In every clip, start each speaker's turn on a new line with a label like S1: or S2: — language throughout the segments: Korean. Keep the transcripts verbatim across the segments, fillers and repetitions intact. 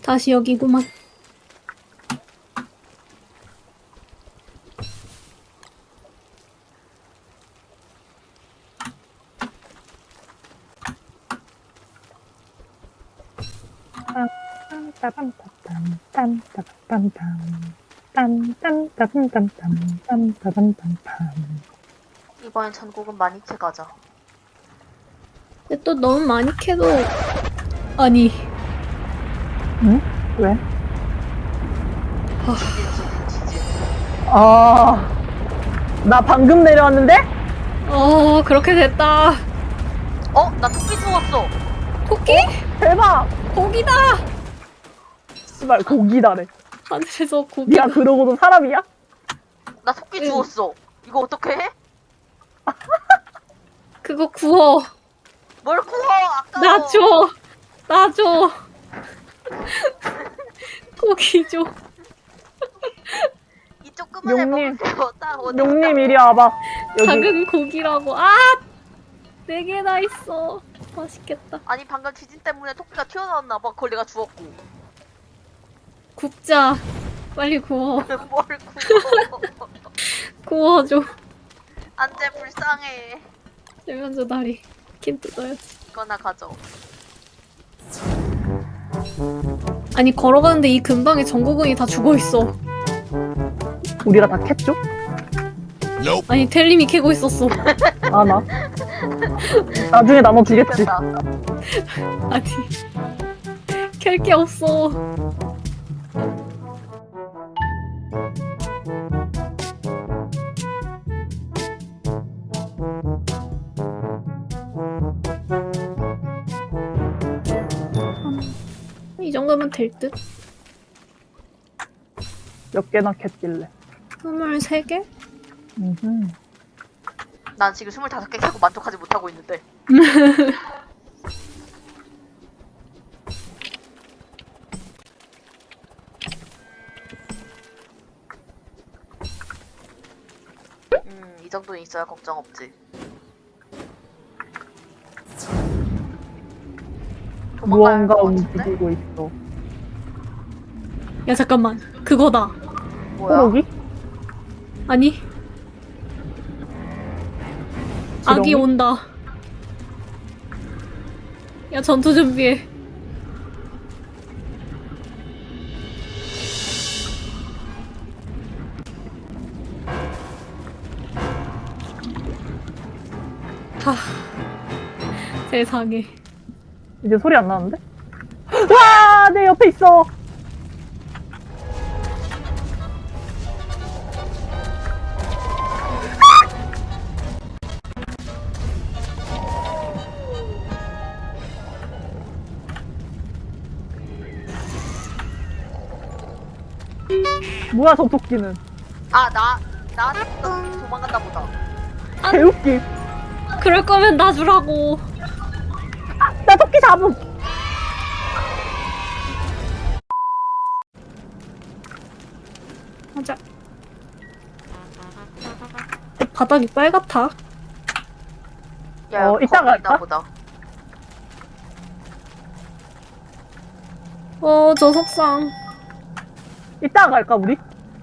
S1: 다시 여기구만.
S2: 이번엔 전국은 많이 캐가자.
S1: 근데 또 너무 많이 캐도 아니
S3: 응? 왜?
S2: 지진 지진 지진.
S3: 아, 나 방금 내려왔는데?
S1: 어 그렇게 됐다.
S2: 어? 나 토끼 주웠어.
S1: 토끼?
S3: 대박!
S1: 고기다.
S3: 씨발, 고기다래.
S1: 하늘에서 고기.
S3: 니가 그러고도 사람이야?
S2: 나 토끼
S1: 응.
S2: 주웠어. 이거 어떻게 해?
S1: 그거 구워.
S2: 뭘 구워? 아까워.
S1: 나 줘. 나 줘. 고기 줘.
S2: 이 조그만 애
S3: 용님.
S2: 먹을게요. 딱 어디
S3: 용님, 이리 와봐. 여기.
S1: 작은 고기라고. 아! 네 개나 있어. 맛있겠다.
S2: 아니 방금 지진 때문에 토끼가 튀어나왔나 봐. 그걸 내가 주웠고.
S1: 굽자. 빨리 구워.
S2: 뭘 구워?
S1: 구워줘.
S2: 안돼 불쌍해.
S1: 세면조 다리. 킴 뜯어야지.
S2: 이거나 가져.
S1: 아니 걸어가는데 이 근방에 전구근이 다 죽어있어.
S3: 우리가 다 캤죠?
S1: 아니 텔님이 캐고 있었어.
S3: 아, 나. 나중에 나눠주겠지.
S2: 됐다.
S1: 아니 캘 게 없어. 이 정도면 될 듯?
S3: 몇 개나 캤길래.
S1: 스물세 개?
S3: 음흠.
S2: 난 지금 스물다섯 개 캐고 만족하지 못하고 있는데. 음, 이 정도는 있어야 걱정 없지. 도망가야 할
S3: 무언가
S2: 것 같은데?
S3: 움직이고 있어.
S1: 야 잠깐만 그거다.
S2: 뭐야?
S3: 호록이?
S1: 아니 악이
S3: 지렁이?
S1: 온다. 야 전투 준비해. 하 세상에.
S3: 이제 소리 안 나는데? 와! 내 옆에 있어! 뭐야, 저 토끼는.
S2: 아, 나, 나 도망간다 보다.
S3: 개웃기.
S1: 그럴 거면 나 주라고.
S3: 나 토끼 잡음!
S1: 맞아. 바닥이 빨갛다.
S2: 야,
S3: 어, 이따가
S2: 거기 있나
S3: 할까?
S2: 보다.
S1: 어, 저 석상.
S3: 이따가 갈까, 우리?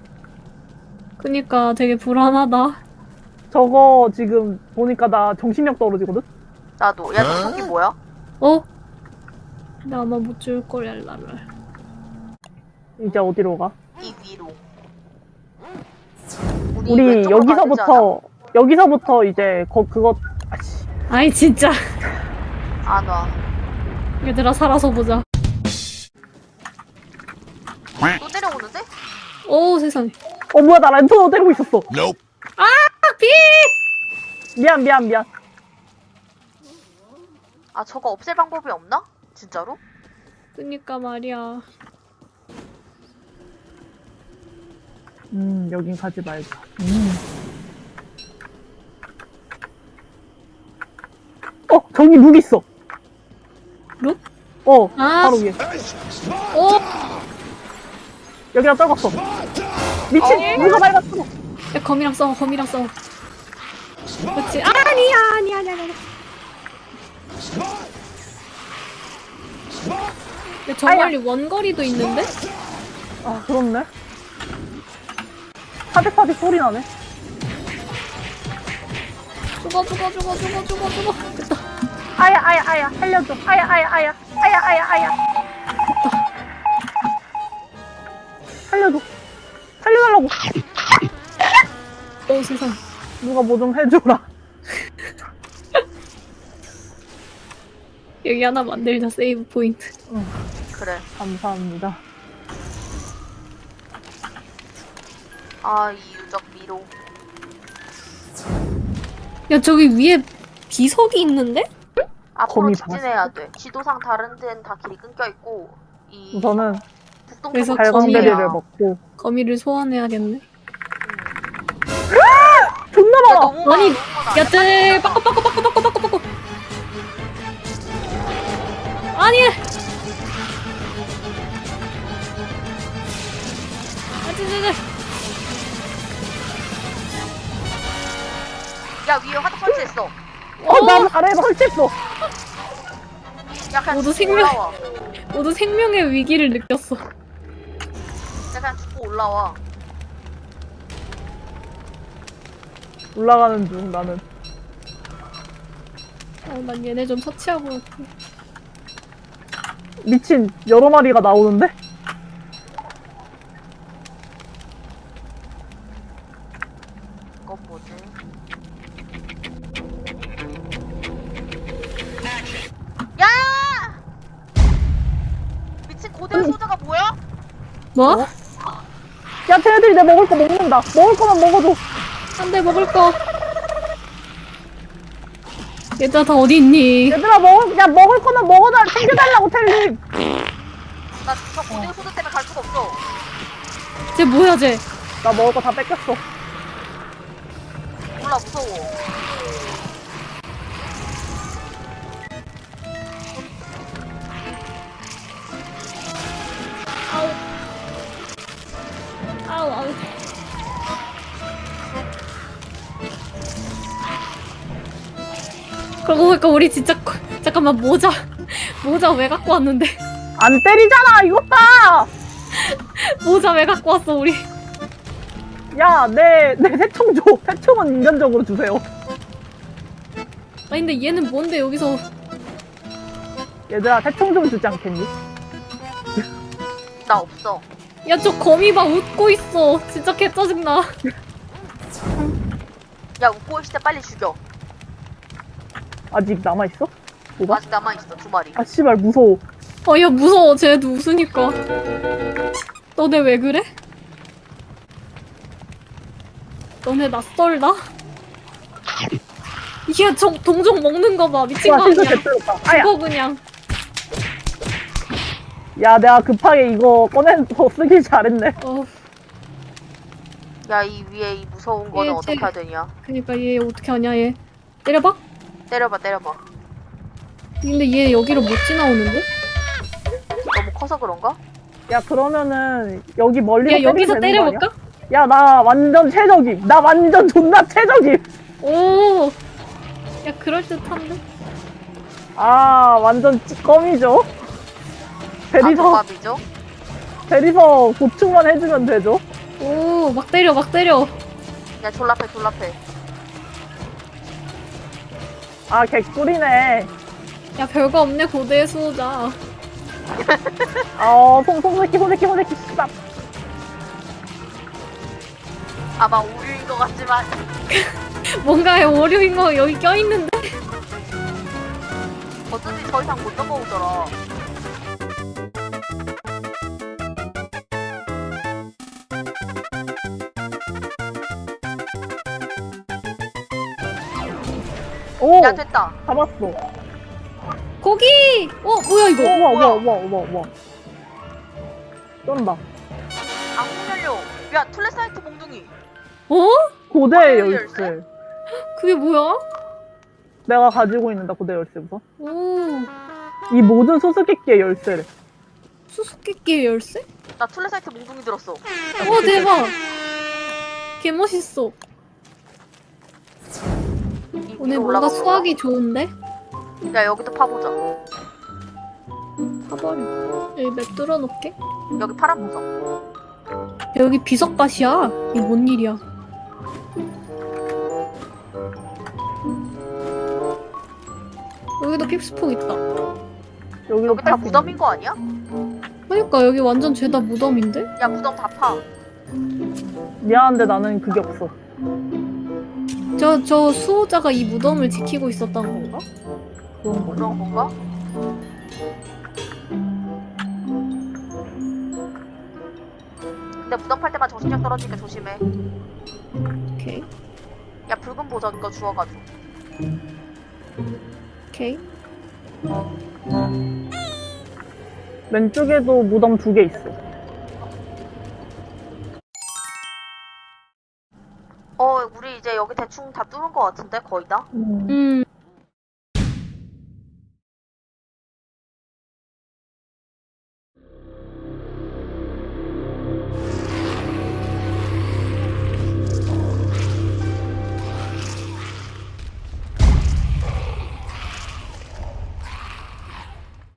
S1: 그니까 되게 불안하다.
S3: 저거 지금 보니까 나 정신력 떨어지거든?
S2: 나도. 야, 저 토끼 뭐야?
S1: 어? 나 아마 못 줄 걸, 랄랄랄.
S3: 이제 어디로 가?
S2: 이 위로.
S3: 우리
S2: 왼쪽으로 가야 되지 않아?
S3: 여기서부터, 여기서부터 이제 거, 그거, 아씨.
S1: 아이, 진짜.
S2: 안 와.
S1: 얘들아, 살아서 보자.
S2: 또 내려오는데?
S1: 오, 세상에.
S3: 어, 뭐야, 나 랜턴으로 때리고 있었어.
S4: Nope.
S1: 아, 비!
S3: 미안, 미안, 미안.
S2: 아, 저거 없앨 방법이 없나? 진짜로?
S1: 그니까 말이야.
S3: 음, 여긴 가지 말자. 음. 어, 저기 룩 있어.
S1: 룩?
S3: 어,
S1: 아.
S3: 바로 위에.
S1: 오!
S3: 여기랑 떨궜어. 미친,
S2: 어.
S3: 누가 밟았어.
S1: 야, 검이랑 싸워, 검이랑 싸워. 그렇지. 아, 아니야, 아니야, 아니야, 아니야. 근데 저 멀리 원거리도 있는데?
S3: 아, 그렇네. 파득파득 소리 나네.
S1: 죽어 죽어 죽어 죽어 죽어 죽어. 됐다.
S3: 아야, 아야, 아야. 살려줘. 아야, 아야, 아야. 아야, 아야, 아야. 살려줘. 살려달라고.
S1: 어 세상.
S3: 누가 뭐 좀 해줘라.
S1: 여기 하나 만들자. 세이브 포인트.
S3: 응,
S2: 그래.
S3: 감사합니다.
S2: 아, 이 유적 미로.
S1: 야 저기 위에 비석이 있는데?
S2: 앞으로
S3: 거미
S2: 직진해야 돼. 지도상 다른 데는 다 길이 끊겨 있고 이
S3: 우선은
S2: 북동쪽은
S1: 그래서
S3: 발광베리를
S2: 거미야.
S3: 먹고.
S1: 거미를 소환해야겠네.
S3: 존나
S2: 야,
S3: 많아.
S2: 너무 많아,
S1: 아니,
S2: 너무 많아.
S1: 야, 쟤, 바꿔, 바꿔, 바꿔, 바꿔, 바꿔, 바꿔. 아니! 아, 쟤, 쟤, 쟤.
S2: 야, 위에 화덕 설치했어.
S3: 어, 난 아래에 설치했어.
S2: 야, 그냥
S1: 모두
S2: 죽고
S1: 생명-
S2: 올라와.
S1: 모두 생명의 위기를 느꼈어.
S2: 야, 그냥 죽고 올라와.
S3: 올라가는 중, 나는.
S1: 어, 난 얘네 좀 처치하고 올게.
S3: 미친, 여러 마리가 나오는데?
S2: 이건 뭐지? 야! 미친 고대 소자가 뭐야?
S1: 뭐?
S3: 어? 야, 쟤네들이 내 먹을 거 먹는다. 먹을 거만 먹어줘.
S1: 안 돼, 먹을 거. 얘들아, 다 어디 있니?
S3: 얘들아, 먹을, 야, 먹을 거만 먹어달, 챙겨달라고, 텔님.
S2: 나 저 고대 소자 때문에 갈 수가 없어.
S1: 쟤 뭐야, 쟤?
S3: 나 먹을 거 다 뺏겼어.
S2: 몰라, 무서워.
S1: 아우, 아우. 그러고 보니까 우리 진짜 거- 잠깐만 모자 모자 왜 갖고 왔는데?
S3: 안 때리잖아, 이것 봐!
S1: 모자 왜 갖고 왔어 우리?
S3: 야, 내, 내 새총 줘. 새총은 인간적으로 주세요.
S1: 아니 근데 얘는 뭔데 여기서?
S3: 얘들아, 새총 좀 주지 않겠니?
S2: 나 없어.
S1: 야 저 거미 봐 웃고 있어. 진짜 개 짜증나.
S2: 야, 웃고 있을 때 빨리 죽여.
S3: 아직 남아있어? 뭐가?
S2: 아직 남아있어, 두 마리.
S3: 아, 씨발, 무서워.
S1: 어 야 무서워. 쟤도 웃으니까. 너네 왜 그래? 너네 낯설다? 이게 저 동종 먹는 거 봐. 미친
S3: 와,
S1: 거
S3: 실수
S1: 아니야?
S3: 개뜨렸다. 아야!
S1: 죽어 그냥.
S3: 야, 내가 급하게 이거 꺼내서 쓰길 잘했네.
S1: 어
S2: 야, 이 위에 이 무서운 거는
S1: 얘
S2: 어떻게
S1: 쟤-
S2: 해야 되냐?
S1: 그니까 얘 어떻게 하냐 얘. 때려봐?
S2: 때려봐, 때려봐.
S1: 근데 얘 여기로 못 지나오는데?
S2: 너무 커서 그런가?
S3: 야, 그러면은, 여기 멀리서
S1: 야 여기서
S3: 때리면 되는 거
S1: 때려볼까?
S3: 아니야? 야, 나 완전 최적임. 나 완전 존나 최적임.
S1: 오. 야 그럴 듯한데?
S3: 아, 완전 찌꺼미죠? 대리석,
S2: 아조밥이죠?
S3: 대리석 보충만 해주면 되죠?
S1: 오 막 때려 막 때려.
S2: 야, 졸라패, 졸라패.
S3: 아, 개꿀이네.
S1: 야 별거 없네 고대 수호자.
S3: 어, 송, 송, 새끼, 송, 새끼, 송, 새끼, 씨발.
S2: 아마 오류인 것 같지만.
S1: 뭔가에 오류인 거 여기 껴있는데?
S2: 어쩐지 더 이상 못 넘어오더라.
S3: 오,
S2: 야, 됐다.
S3: 잡았어.
S1: 고기! 어 뭐야 이거?
S3: 우와, 우와,
S2: 뭐야?
S3: 우와, 우와, 우와. 쩐다.
S2: 악몽연료. 야, 툴레사이트 몽둥이.
S1: 어?
S3: 고대
S2: 아,
S3: 열쇠.
S2: 열쇠?
S1: 그게 뭐야?
S3: 내가 가지고 있는다, 고대 열쇠 우선.
S1: 오
S3: 이 모든 수수께끼의 열쇠를.
S1: 수수께끼의 열쇠?
S2: 나 툴레사이트 몽둥이 들었어.
S1: 오 대박! 개 멋있어.
S2: 이
S1: 오늘
S2: 위로
S1: 뭔가
S2: 올라가
S1: 수학이 좋은데?
S2: 보자. 야, 여기도 파보자.
S1: 파봐 해버려. 여기 맵 뚫어놓게.
S2: 여기 파란 보석.
S1: 여기 비석밭이야. 이게 뭔 일이야? 여기도 픽스폭 있다.
S3: 여기도
S2: 여기 다
S3: 팔
S2: 무덤인 거 아니야?
S1: 그러니까 여기 완전 죄다 무덤인데?
S2: 야 무덤 다 파.
S3: 미안한데 나는 그게 없어.
S1: 저, 저 수호자가 이 무덤을 지키고 있었던 건가?
S3: 그런 거.
S2: 그런 건가? 근데 무덤 팔 때만 정신력 떨어지니까 조심해.
S1: 오케이.
S2: 야 붉은 보석 이거 주워가지고.
S1: 오케이.
S3: 왼쪽에도 무덤 두 개 있어.
S2: 어 우리 이제 여기 대충 다 뚫은 거 같은데 거의 다?
S3: 음.
S1: 음,